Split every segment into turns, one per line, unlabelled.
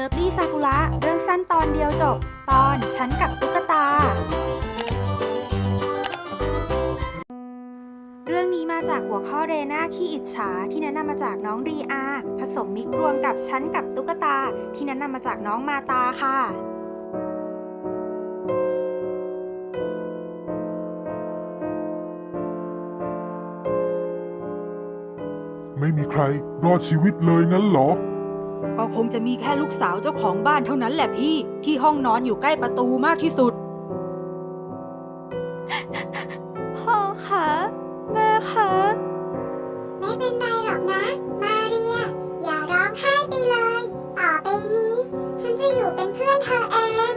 ลิฟลี่ซากุระเรื่องสั้นตอนเดียวจบตอนฉันกับตุ๊กตาเรื่องนี้มาจากหัวข้อเรน่าขี้อิจฉาที่แนะนำมาจากน้องรีอาผสมมิกรวมกับฉันกับตุ๊กตาที่แนะนำมาจากน้องมาตาค่ะ
ไม่มีใครรอดชีวิตเลยงั้นเหรอ
ก็คงจะมีแค่ลูกสาวเจ้าของบ้านเท่านั้นแหละพี่ที่ห้องนอนอยู่ใกล้ประตูมากที่สุดพ่อคะแม่คะ
ไม่เป็นไรหรอกนะมาเรียอย่าร้องไห้ไปเลยต่อไปนี้ฉันจะอยู่เป็นเพื่อนเธอเอง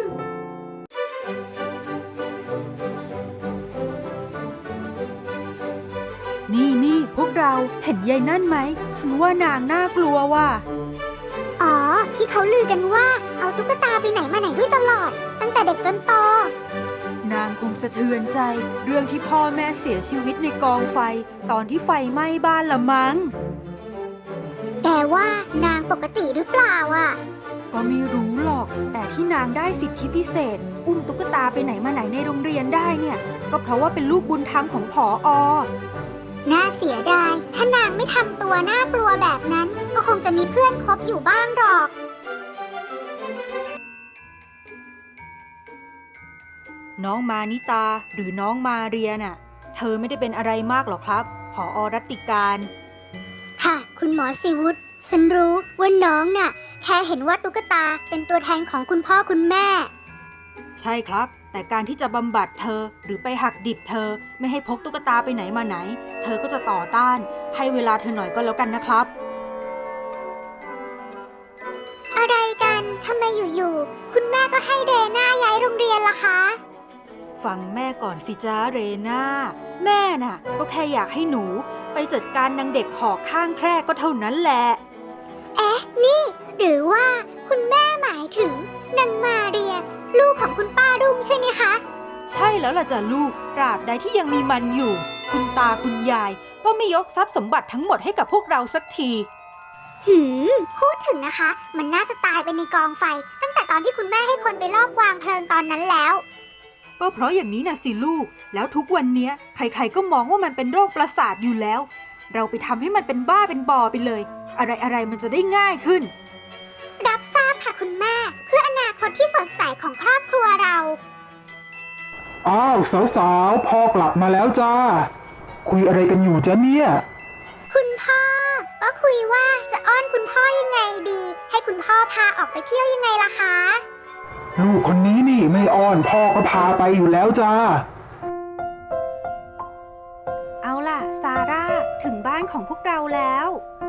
นี่พวกเราเห็นยายนั่นไหมฉันว่านางน่ากลัวว่ะ
อ๋อที่เขาลือกันว่าเอาตุ๊กตาไปไหนมาไหนด้วยตลอดตั้งแต่เด็กจนโต
นางคงสะเทือนใจเรื่องที่พ่อแม่เสียชีวิตในกองไฟตอนที่ไฟไหม้บ้านละมั้ง
แต่ว่านางปกติหรือเปล่าอ่ะ
ก็ไม่รู้หรอกแต่ที่นางได้สิทธิพิเศษอุ้มตุ๊กตาไปไหนมาไหนในโรงเรียนได้เนี่ยก็เพราะว่าเป็นลูกบุญธรรมของผอ.
น่าเสียดายถ้านางไม่ทำตัวน่ากลัวแบบนั้นก็คงจะมีเพื่อนคบอยู่บ้างหรอก
น้องมานิตาหรือน้องมาเรียน่ะเธอไม่ได้เป็นอะไรมากหรอกครับผอ.รัตติการ
ค่ะคุณหมอศิวุฒิฉันรู้ว่าน้องน่ะแค่เห็นว่าตุ๊กตาเป็นตัวแทนของคุณพ่อคุณแม่
ใช่ครับแต่การที่จะบำบัดเธอหรือไปหักดิบเธอไม่ให้พกตุ๊กตาไปไหนมาไหนเธอก็จะต่อต้านให้เวลาเธอหน่อยก็แล้วกันนะครับ
อะไรกันทำไมอยู่ๆคุณแม่ก็ให้เรน่าย้ายโรงเรียนล่ะคะ
ฟังแม่ก่อนสิจ้าเรน่าแม่น่ะก็แค่อยากให้หนูไปจัดการนางเด็กหอกข้างแคร่ก็เท่านั้นแหละ
เอ๊ะนี่หรือว่าคุณแม่หมายถึงนางมาเรียลูกของคุณป้ารุ่งใช่ไหมคะ
ใช่แล้วล่ะจ้ะลูกตราบใดที่ยังมีมันอยู่คุณตาคุณยายก็ไม่ยกทรัพย์สมบัติทั้งหมดให้กับพวกเราสักที
พูดถึงนะคะมันน่าจะตายไปในกองไฟตั้งแต่ตอนที่คุณแม่ให้คนไปลอบวางเพลิงตอนนั้นแล้ว
ก็เพราะอย่างนี้นะสิลูกแล้วทุกวันนี้ใครๆก็มองว่ามันเป็นโรคประสาทอยู่แล้วเราไปทำให้มันเป็นบ้าเป็นบอไปเลยอะไรมันจะได้ง่ายขึ้น
รับทราบค่ะคุณแม่เพื่ออนาคตที่สดใสของครอบครัวเรา
อ้าวสาวๆพ่อกลับมาแล้วจ้าคุยอะไรกันอยู่จ๊ะเนี่ย
คุณพ่อก็คุยว่าจะอ้อนคุณพ่อยังไงดีให้คุณพ่อพาออกไปเที่ยวยังไงล่ะคะ
ลูกคนนี้นี่ไม่อ้อนพ่อก็พาไปอยู่แล้วจ้า
เอาล่ะซาร่าถึงบ้านของพวกเราแล้ว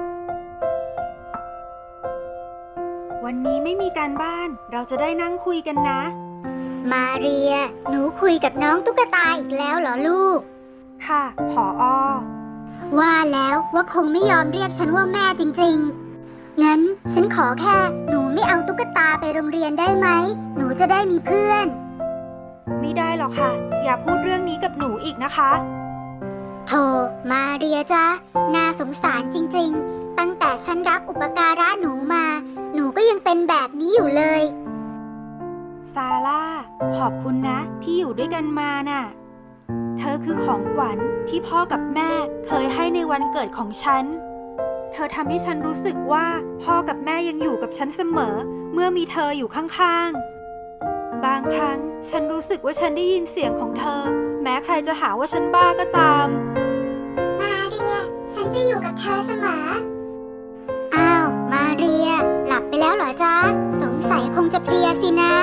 วันนี้ไม่มีการบ้านเราจะได้นั่งคุยกันนะ
มาเรียหนูคุยกับน้องตุ๊กตาอีกแล้วเหรอลูก
ค่ะผอ.
ว่าแล้วว่าคงไม่ยอมเรียกฉันว่าแม่จริงๆงั้นฉันขอแค่หนูไม่เอาตุ๊กตาไปโรงเรียนได้ไหมหนูจะได้มีเพื่อน
ไม่ได้หรอกค่ะอย่าพูดเรื่องนี้กับหนูอีกนะคะ
โธ่มาเรียจ้ะน่าสงสารจริงๆตั้งแต่ฉันรับอุปการะหนูมาหนูก็ยังเป็นแบบนี้อยู่เลย
ซาร่าขอบคุณนะที่อยู่ด้วยกันมาน่ะเธอคือของขวัญที่พ่อกับแม่เคยให้ในวันเกิดของฉันเธอทำให้ฉันรู้สึกว่าพ่อกับแม่ยังอยู่กับฉันเสมอเมื่อมีเธออยู่ข้างๆบางครั้งฉันรู้สึกว่าฉันได้ยินเสียงของเธอแม้ใครจะหาว่าฉันบ้าก็ตาม
มาเรียฉันจะอยู่กับเธอเสมออ้าวมาเรียหลับไปแล้วเหรอจ๊ะสงสัยคงจะเพลียสินะ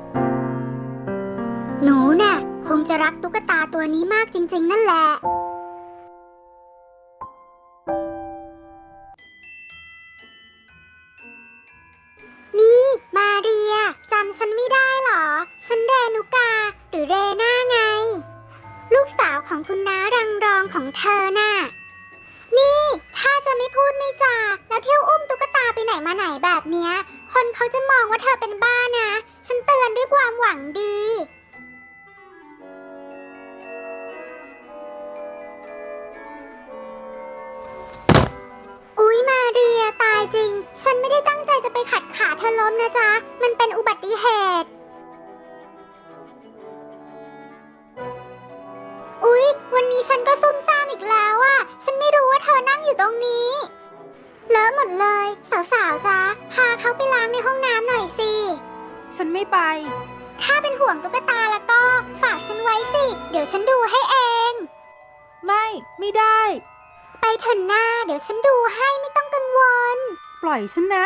หนูน่ะคงจะรักตุ๊กตาตัวนี้มากจริงๆนั่นแหละนี่มาเรียจำฉันไม่ได้หรอฉันเรนุกาหรือเรน่าไงลูกสาวของคุณน้ารังรองของเธอน่ะนี่ถ้าจะไม่พูดไม่จาแล้วเที่ยวอุ้มตุ๊กตาไปไหนมาไหนแบบเนี้ยคนเขาจะมองว่าเธอเป็นบ้านะฉันเตือนด้วยความหวังดีอุ๊ยมาเรียตายจริงฉันไม่ได้ตั้งใจจะไปขัดขาเธออล้มนะจ๊ะ มันเป็นอุบัติเหตุ อุ๊ย วันนี้ฉันก็ซุ่มซ่ามอีกแล้วอะฉันไม่รู้ว่าเธอนั่งอยู่ตรงนี้เลอะหมดเลย สาวๆจ๊ะ พาเขาไปล้างในห้องน้ำหน่อยสิ
ฉันไม่ไป
ถ้าเป็นห่วงตุ๊กตาแล้วก็ฝากฉันไว้สิ เดี๋ยวฉันดูให้เอง
ไม่ได้
ไปเถอะหน้า เดี๋ยวฉันดูให้ไม่ต้องกังวล
ปล่อยฉันนะ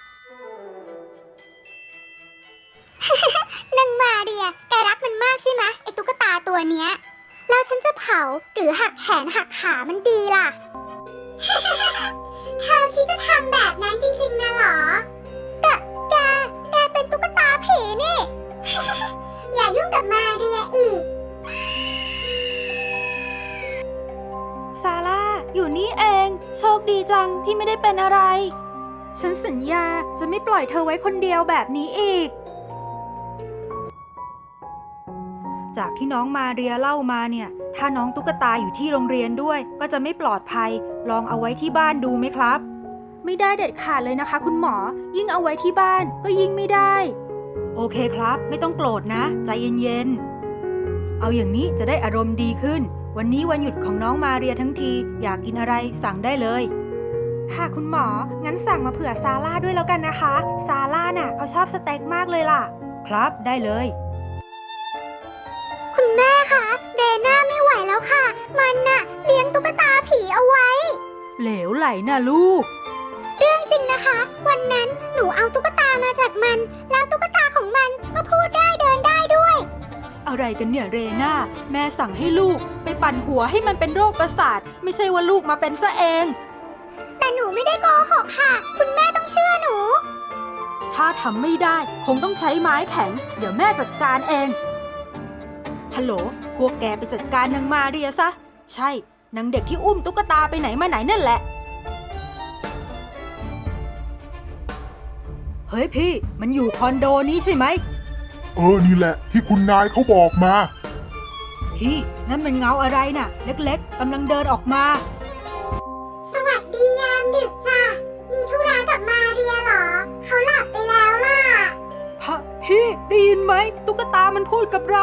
นางมาเรีย แกรักมันมากใช่ไหมไอ้ตุ๊กตาตัวเนี้ย แล้วฉันจะเผาหรือหักแขนหักขามันดีล่ะ เธอคิดจะทำแบบนั้นจริงๆนะเหรอ แกเป็นตุ๊กตาผีนี่ อย่ายุ่งกับมาเรียอีก
ซาร่า อยู่นี่เอง โชคดีจังที่ไม่ได้เป็นอะไร ฉันสัญญาจะไม่ปล่อยเธอไว้คนเดียวแบบนี้อีก จากที่น้องมาเรียเล่ามาเนี่ย ถ้าน้องตุ๊กตาอยู่ที่โรงเรียนด้วย ก็จะไม่ปลอดภัย ลองเอาไว้ที่บ้านดูไหมครับ ไม่ได้เด็ดขาดเลยนะคะคุณหมอ ยิ่งเอาไว้ที่บ้านก็ยิ่งไม่ได้ โอเคครับ ไม่ต้องโกรธนะ ใจเย็นๆ เอาอย่างนี้จะได้อารมณ์ดีขึ้น วันนี้วันหยุดของน้องมาเรียทั้งที อยากกินอะไรสั่งได้เลย ค่ะคุณหมอ งั้นสั่งมาเผื่อซาร่าด้วยแล้วกันนะคะ ซาร่าน่ะเขาชอบสเต็กมากเลยล่ะ ครับได้เลย
คุณแม่คะเรน่าไม่ไหวแล้วค่ะ มันน่ะเลี้ยงตุ๊กตาผีเอาไว้
เหลวไหลนะลูก
เรื่องจริงนะคะ วันนั้นหนูเอาตุ๊กตามาจากมัน แล้วตุ๊กตาของมันก็พูดได้เดินได้ด้วย
อะไรกันเนี่ยเรน่า แม่สั่งให้ลูกไปปั่นหัวให้มันเป็นโรคประสาท ไม่ใช่ว่าลูกมาเป็นซะเอง
แต่หนูไม่ได้โกหกค่ะ คุณแม่ต้องเชื่อหนู
ถ้าทำไม่ได้คงต้องใช้ไม้แข็ง เดี๋ยวแม่จัดการเอง ฮัลโหล พวกแกไปจัดการนางมาเรียซะ ใช่นางเด็กที่อุ้มตุ๊กตาไปไหนมาไหนนั่นแหละ เฮ้ยพี่ มันอยู่คอนโดนี้ใช่ไหม
นี่แหละที่คุณนายเขาบอกมา
พี่นั่นมันเงาอะไรน่ะ เล็กๆกำลังเดินออกมา
สวัสดียามดึกจ้ะ มีธุระกับมาเรียเหรอ เขาหลับไปแล้วล่ะ
ฮะพี่ได้ยินไหมตุ๊กตามันพูดกับเรา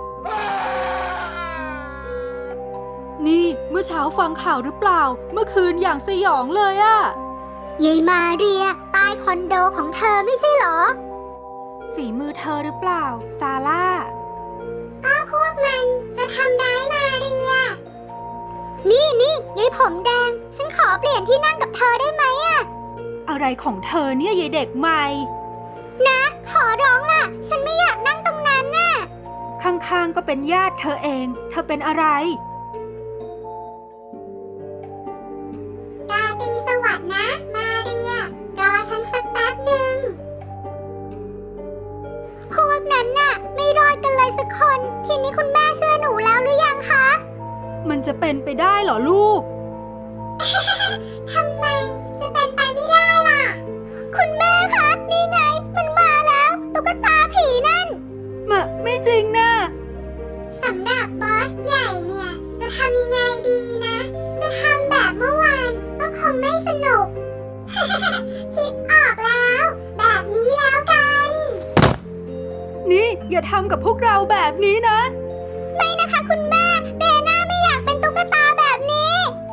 นี่เมื่อเช้าฟังข่าวหรือเปล่า เมื่อคืนอย่างสยองเลยอะ
ยายมาเรียตายคอนโดของเธอไม่ใช่เหรอ
ฝีมือเธอหรือเปล่า ซาร่า
ก็พวกมันจะทำร้ายมาเรีย นี่ยายผมแดง ฉันขอเปลี่ยนที่นั่งกับเธอได้ไหมอะ
อะไรของเธอเนี่ยยายเด็กใหม่
นะขอร้องล่ะ ฉันไม่อยากนั่งตรงนั้นน่ะ
ข้างๆก็เป็นญาติเธอเอง เธอเป็นอะไร
ราตรีสวัสดิ์นะ มาเรีย รอฉันสักแป๊บหนึ่ง พวกนั้นน่ะ ไม่รอดกันเลยสักคน ทีนี้คุณแม่เชื่อหนูแล้วหรือยังคะ
มันจะเป็นไปได้เหรอลูก
ทำไมจะเป็นไปไม่ได้ล่ะ คุณแม่คะ นี่ไง มันมาแล้ว ตุ๊กตาผีนั่น
ไม่จริงนะ
สำหรับบอสใหญ่เนี่ย จะทำยังไงดีนะ จะทำแบบเมื่อวานก็คงไม่สนุก คิดออกแล้ว แบบนี้แล้วกัน
นี่อย่าทำกับพวกเราแบบนี้นะ
ไม่นะคะคุณแม่ เรน่าไม่อยากเป็นตุ๊กตาแบบนี้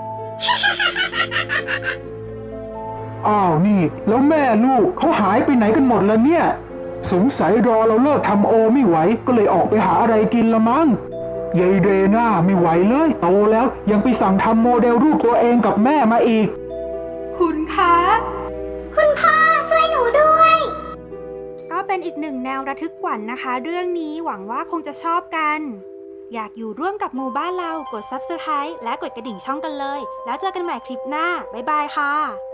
อ้าวนี่แล้วแม่ลูกเขาหายไปไหนกันหมดแล้วเนี่ย สงสัยรอเราเลิกทำโอไม่ไหวก็เลยออกไปหาอะไรกินละมั้งยายเรน่าไม่ไหวเลยโตแล้วยังไปสั่งทำโมเดลรูปตัวเองกับแม่มาอีก
คุณคะ
คุณพ่อช่วยหนูด้วย
ก็เป็นอีกหนึ่งแนวระทึกขวัญนะคะ เรื่องนี้หวังว่าคงจะชอบกัน อยากอยู่ร่วมกับหมู่บ้านเรากด Subscribe และกดกระดิ่งช่องกันเลย แล้วเจอกันใหม่คลิปหน้า บ๊ายบายค่ะ